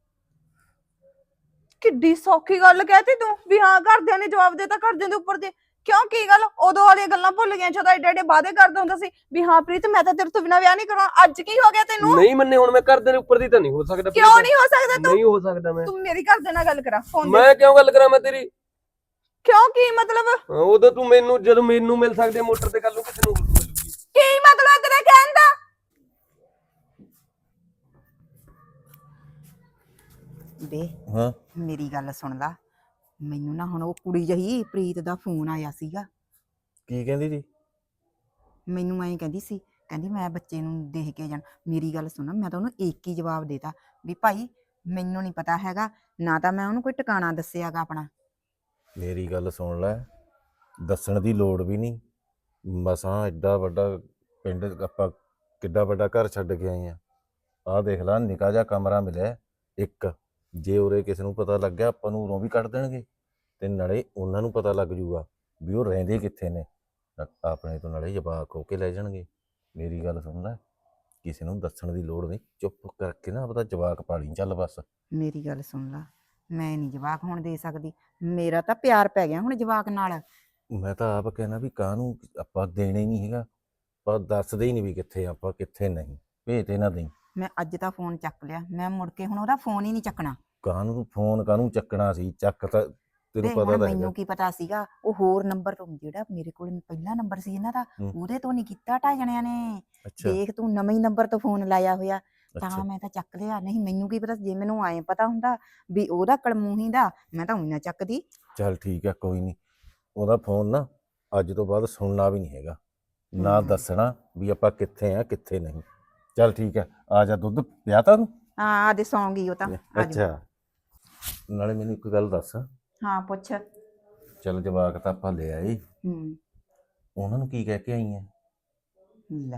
Speaker 1: ਕਿੱਡੀ ਸੌਖੀ ਗੱਲ ਕਹਿਤੀ ਤੂੰ ਵੀ ਹਾਂ ਘਰਦਿਆਂ ਨੇ ਜਵਾਬ ਦੇਤਾ, ਘਰਦਿਆਂ ਦੇ ਉੱਪਰ ਦੇ। ਕਿਉਂ, ਕੀ ਗੱਲ? ਉਦੋਂ ਵਾਲੀਆਂ ਗੱਲਾਂ ਭੁੱਲ ਗਈਆਂ ਜਦੋਂ ਏਡੇ ਏਡੇ ਵਾਅਦੇ ਕਰਦਾ ਹੁੰਦਾ ਸੀ ਵੀ ਹਾਂ ਪ੍ਰੀਤ ਮੈਂ ਤਾਂ ਤੇਰੇ ਤੋਂ ਬਿਨਾਂ ਵਿਆਹ ਨਹੀਂ ਕਰਾਉਣਾ। ਅੱਜ ਕੀ ਹੋ ਗਿਆ ਤੈਨੂੰ?
Speaker 6: ਨਹੀਂ ਮੰਨੇ, ਹੁਣ ਮੈਂ ਘਰਦਿਆਂ ਦੇ ਉੱਪਰ ਦੀ ਤਾਂ ਨਹੀਂ ਹੋ ਸਕਦਾ।
Speaker 1: ਕਿਉਂ
Speaker 6: ਪ੍ਰੀਤ।
Speaker 1: ਨਹੀਂ ਹੋ ਸਕਦਾ ਤੂੰ?
Speaker 6: ਨਹੀਂ ਹੋ ਸਕਦਾ ਮੈਂ।
Speaker 1: ਤੂੰ ਮੇਰੀ ਘਰਦਿਆਂ ਨਾਲ ਗੱਲ ਕਰਾ ਫੋਨ
Speaker 6: ਮੈਂ ਕਿਉਂ ਗੱਲ ਕਰਾਂ ਮੈਂ ਤੇਰੀ?
Speaker 1: ਕਿਉਂ, ਕੀ ਮਤਲਬ?
Speaker 6: ਹਾਂ, ਉਦੋਂ ਤੂੰ ਮੈਨੂੰ, ਜਦੋਂ ਮੈਨੂੰ ਮਿਲ ਸਕਦੀ ਹੈ ਮੋਟਰ ਤੇ, ਕੱਲ ਨੂੰ ਕਿਸੇ ਨੂੰ ਹੋਰ ਮਿਲੂਗੀ।
Speaker 1: ਕੀ ਮਤਲਬ ਹੈ ਤੇਰਾ ਕਹਿਣ ਦਾ?
Speaker 3: ਬੇ
Speaker 4: ਹਾਂ
Speaker 3: ਮੇਰੀ ਗੱਲ ਸੁਣ ਲਾ, ਮੈਨੂੰ ਨਾ ਹੁਣ ਉਹ ਕੁੜੀ ਜਹੀ ਪ੍ਰੀਤ ਦਾ ਫੋਨ ਆਇਆ ਸੀਗਾ।
Speaker 4: ਕੀ ਕਹਿੰਦੀ ਜੀ?
Speaker 3: ਮੈਨੂੰ ਐਂ ਕਹਿੰਦੀ ਸੀ, ਕਹਿੰਦੀ ਮੈਂ ਬੱਚੇ ਨੂੰ ਦੇਖ ਕੇ ਜਾਣ। ਮੇਰੀ ਗੱਲ ਸੁਣ, ਮੈਂ ਤਾਂ ਉਹਨੂੰ ਇੱਕ ਹੀ ਜਵਾਬ ਦੇਤਾ ਵੀ ਭਾਈ ਮੈਨੂੰ ਨਹੀਂ ਪਤਾ ਹੈਗਾ, ਨਾ ਤਾਂ ਮੈਂ ਉਹਨੂੰ ਕੋਈ ਟਿਕਾਣਾ ਦੱਸਿਆਗਾ ਆਪਣਾ।
Speaker 4: ਮੇਰੀ ਗੱਲ ਸੁਣ ਲੈ, ਦੱਸਣ ਦੀ ਲੋੜ ਵੀ ਨਹੀਂ। ਮਸਾਂ ਐਡਾ ਵੱਡਾ ਪਿੰਡ, ਆਪਾਂ ਕਿੱਡਾ ਵੱਡਾ ਘਰ ਛੱਡ ਕੇ ਆਏ ਆ। ਆਹ ਦੇਖ ਲੈ, ਨਿੱਕਾ ਜਿਹਾ ਕਮਰਾ ਮਿਲਿਆ ਇੱਕ। ਜੇ ਉਰੇ ਕਿਸੇ ਨੂੰ ਪਤਾ ਲੱਗ ਗਿਆ, ਆਪਾਂ ਨੂੰ ਉਰੋਂ ਵੀ ਕੱਢ ਦੇਣਗੇ, ਤੇ ਨਾਲੇ ਉਹਨਾਂ ਨੂੰ ਪਤਾ ਲੱਗ ਜੂਗਾ ਵੀ ਉਹ ਰਹਿੰਦੇ ਕਿੱਥੇ ਨੇ। ਆਪਣੇ ਤੋਂ ਨਾਲੇ ਜਵਾਕ ਹੋ ਕੇ ਲੈ ਜਾਣਗੇ। ਮੇਰੀ ਗੱਲ ਸੁਣ ਲੈ, ਕਿਸੇ ਨੂੰ ਦੱਸਣ ਦੀ ਲੋੜ ਨਹੀਂ, ਚੁੱਪ ਕਰਕੇ ਨਾ ਆਪਦਾ ਜਵਾਕ ਪਾਲੀ ਚੱਲ ਬਸ।
Speaker 3: ਮੇਰੀ ਗੱਲ ਸੁਣ ਲਾ, ਮੈਂ ਨਹੀਂ ਜਵਾਕ ਹੁਣ ਦੇ ਸਕਦੀ, ਮੇਰਾ ਤਾਂ ਪਿਆਰ ਪੈ ਗਿਆ ਹੁਣ ਜਵਾਕ ਨਾਲ।
Speaker 4: ਮੈਂ ਤਾਂ ਆਪ ਕਹਿਣਾ ਵੀ ਕਾਹਨੂੰ ਆਪਾਂ ਦੇਣੇ ਨਹੀਂ ਹੈਗਾ, ਪਰ ਦੱਸਦੇ ਹੀ ਨਹੀਂ ਵੀ ਕਿੱਥੇ ਆਪਾਂ ਕਿੱਥੇ ਨਹੀਂ। ਭੇਜ ਤੇ ਨਾ ਦੇਈ।
Speaker 3: ਮੈਂ ਅੱਜ ਤਾਂ ਫੋਨ ਚੱਕ ਲਿਆ, ਮੈਂ ਮੁੜ ਕੇ ਹੁਣ ਉਹਦਾ ਫੋਨ ਹੀ ਨਹੀਂ ਚੱਕਣਾ।
Speaker 4: ਕਾਹਨੂੰ ਫੋਨ ਕਾਹਨੂੰ ਚੱਕਣਾ ਸੀ? ਚੱਕ ਤਾਂ ਤੈਨੂੰ
Speaker 3: ਤੇ
Speaker 4: ਪਤਾ
Speaker 3: ਹੁਣ
Speaker 4: ਤਾਂ ਹੈਗਾ।
Speaker 3: ਮੈਨੂੰ ਕੀ ਪਤਾ ਸੀਗਾ, ਉਹ ਹੋਰ ਨੰਬਰ ਤੋਂ, ਜਿਹੜਾ ਮੇਰੇ ਕੋਲ ਪਹਿਲਾ ਨੰਬਰ ਸੀ ਇਹਨਾਂ ਦਾ,
Speaker 4: ਹੂੰ।
Speaker 3: ਉਹਦੇ ਤੋਂ ਨਹੀਂ ਕੀਤਾ ਢਾਈ ਜਣਿਆਂ ਨੇ।
Speaker 4: ਅੱਛਾ
Speaker 3: ਦੇਖ ਤੂੰ, ਨਵੇਂ ਹੀ ਨੰਬਰ ਤੋਂ ਫੋਨ ਲਾਇਆ ਹੋਇਆ, ਤਾਂ
Speaker 4: ਅੱਛਾ
Speaker 3: ਮੈਂ ਤਾਂ ਚੱਕ ਲਿਆ। ਨਹੀਂ ਮੈਨੂੰ ਕੀ ਪਤਾ, ਜੇ ਮੈਨੂੰ ਐਂ ਪਤਾ ਹੁੰਦਾ ਵੀ ਉਹਦਾ ਕਲਮੂਹੀ ਦਾ, ਮੈਂ ਤਾਂ ਉਹੀ ਨਾ ਚੱਕਦੀ।
Speaker 4: ਚੱਲ ਠੀਕ ਹੈ, ਕੋਈ ਨਹੀਂ। ਉਹਦਾ ਫੋਨ ਨਾ ਅੱਜ ਤੋਂ ਬਾਅਦ ਸੁਣਨਾ ਵੀ ਨਹੀਂ ਹੈਗਾ, ਨਾ
Speaker 3: ਹੂੰ।
Speaker 4: ਦੱਸਣਾ ਵੀ ਆਪਾਂ ਕਿੱਥੇ ਆ ਕਿੱਥੇ ਨਹੀਂ। ਚੱਲ ਠੀਕ ਹੈ, ਆ ਜਾ, ਦੁੱਧ ਪਿਆ ਤਾ ਤੂੰ?
Speaker 3: ਹਾਂ ਆਦੇ ਸੌਂ ਗਈ ਉਹ ਤਾਂ। ਆ ਜਾਊ।
Speaker 4: ਅੱਛਾ, ਨਾਲੇ ਮੈਨੂੰ ਇੱਕ ਗੱਲ ਦੱਸ।
Speaker 3: ਹਾਂ ਪੁੱਛ।
Speaker 4: ਚੱਲ ਜਵਾਕ ਤਾਂ ਆਪਾਂ ਲੈ ਆਏ,
Speaker 3: ਹੂੰ।
Speaker 4: ਉਹਨਾਂ ਨੂੰ ਕੀ ਕਹਿ ਕੇ ਆਈ ਹੈ?
Speaker 3: ਲੈ,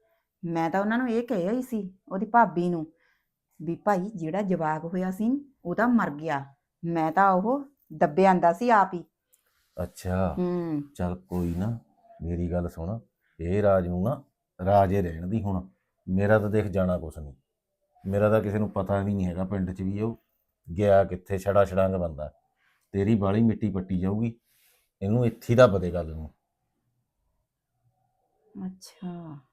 Speaker 3: ਮੈਂ ਤਾਂ ਉਹਨਾਂ ਨੂੰ ਇਹ ਕਹਿਆ ਹੀ ਸੀ, ਉਹਦੀ ਭਾਬੀ ਨੂੰ, ਵੀ ਭਾਈ ਜਿਹੜਾ ਜਵਾਕ ਹੋਇਆ ਸੀ ਉਹ ਤਾਂ ਮਰ ਗਿਆ, ਮੈਂ ਤਾਂ ਉਹ ਦੱਬੇ ਆਂਦਾ ਸੀ ਆਪ ਹੀ।
Speaker 4: ਅੱਛਾ
Speaker 3: ਹੂੰ।
Speaker 4: ਚੱਲ ਕੋਈ ਨਾ, ਮੇਰੀ ਗੱਲ ਸੁਣ, ਇਹ ਰਾਜ ਨੂੰ ਨਾ ਰਾਜੇ ਰਹਿਣ ਦੀ। ਹੁਣ ਮੇਰਾ ਤਾਂ ਦੇਖ ਜਾਣਾ ਕੁਛ ਨਹੀਂ, ਮੇਰਾ ਤਾਂ ਕਿਸੇ ਨੂੰ ਪਤਾ ਵੀ ਨਹੀਂ ਹੈਗਾ ਪਿੰਡ 'ਚ ਵੀ ਉਹ ਗਿਆ ਕਿੱਥੇ। ਛੜਾ ਛੜਾਂਗ ਬੰਦਾ, ਤੇਰੀ ਬਾਲੀ ਮਿੱਟੀ ਪੱਟੀ ਜਾਊਗੀ, ਇਹਨੂੰ ਇੱਥੇ ਦਾ ਪਤੇ ਗੱਲ ਨੂੰ।
Speaker 3: ਅੱਛਾ।